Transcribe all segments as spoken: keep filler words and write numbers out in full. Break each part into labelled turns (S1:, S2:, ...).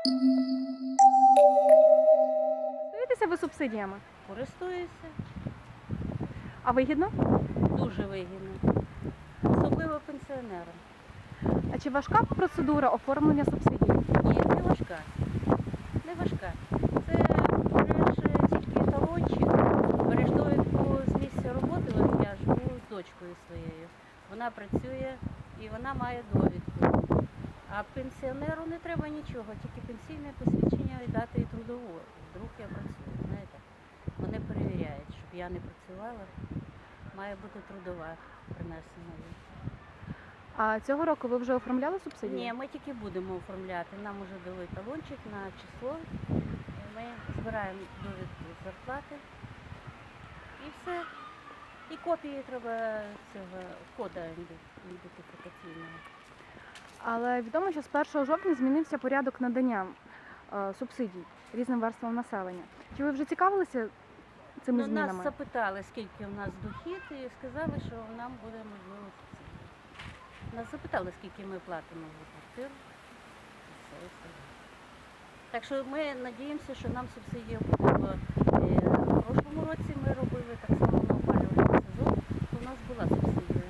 S1: Користуєтеся ви субсидіями?
S2: Користуюся.
S1: А вигідно?
S2: Дуже вигідно. Особливо пенсіонерам.
S1: А чи важка процедура оформлення субсидій?
S2: Ні, не важка. Не важка. Це береш тільки талончик, береш довідку з місця роботи, от я живу з дочкою своєю. Вона працює і вона має довідку. А пенсіонеру не треба нічого, тільки пенсійне посвідчення і дати і трудову. Вдруг я працюю, знаєте. Вони перевіряють, щоб я не працювала, має бути трудова принесена.
S1: А цього року ви вже оформляли субсидії?
S2: Ні, ми тільки будемо оформляти. Нам вже дали талончик на число. Ми збираємо довідку з зарплати. І все. І копії треба цього кода ідентифікаційного.
S1: Але відомо, що з першого жовтня змінився порядок надання е, субсидій різним верствам населення. Чи ви вже цікавилися цими
S2: Ну,
S1: змінами?
S2: нас запитали, скільки у нас дохід, і сказали, що нам буде можливо субсидія. Нас запитали, скільки ми платимо за квартиру. І все, і все. Так що ми сподіваємося, що нам субсидія буде. Бо, е, в прошлому році ми робили так само на опалювальний сезон, то у нас була субсидія.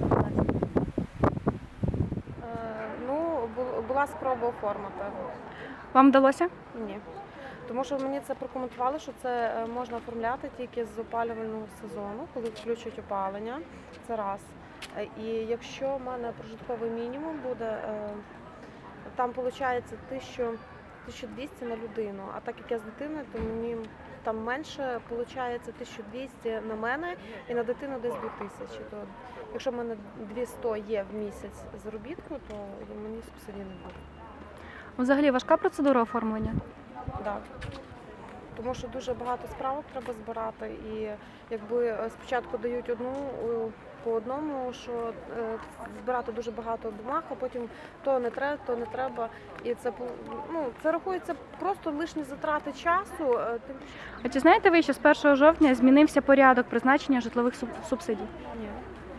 S3: Е, Ну, бу- була спроба оформити.
S1: Вам вдалося?
S3: Ні. Тому що мені це прокоментували, що це е, можна оформляти тільки з опалювального сезону, коли включать опалення. Це раз. Е, І якщо в мене прожитковий мінімум буде, е, там виходить тисяча двісті на людину. А так як я з дитиною, то мені там менше виходить тисяча двісті на мене і на дитину десь дві тисячі. То якщо в мене двісті є в місяць заробітку, то мені субсидії не буде.
S1: Взагалі важка процедура оформлення?
S3: Так. Тому що дуже багато справок треба збирати, і якби е, спочатку дають одну е, по одному, що е, збирати дуже багато бумаг, а потім то не треба, то не треба. І це пол- ну, це рахується просто лишні затрати часу. е, Тим більше,
S1: А чи знаєте ви, що з першого жовтня змінився порядок призначення житлових суб- субсидій?
S3: ні.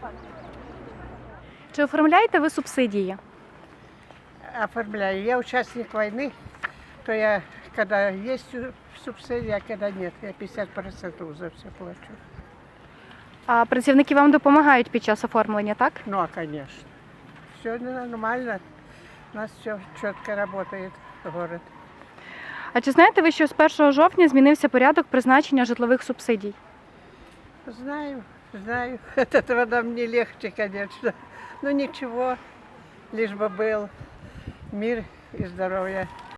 S1: Чи оформляєте ви субсидії?
S4: Оформляю. Я участник войны, то я, когда есть су- субсидия, а когда нет, я пятьдесят процентов за все плачу.
S1: А працівники вам допомагають під час оформлення, так?
S4: Ну, а конечно. Все нормально. У нас все четко работает, город.
S1: А чи знаєте ви, що з першого жовтня змінився порядок призначення житлових субсидій?
S4: Знаю, знаю. От этого нам не легче, конечно. Но ничего, лишь бы был мир и здоровье.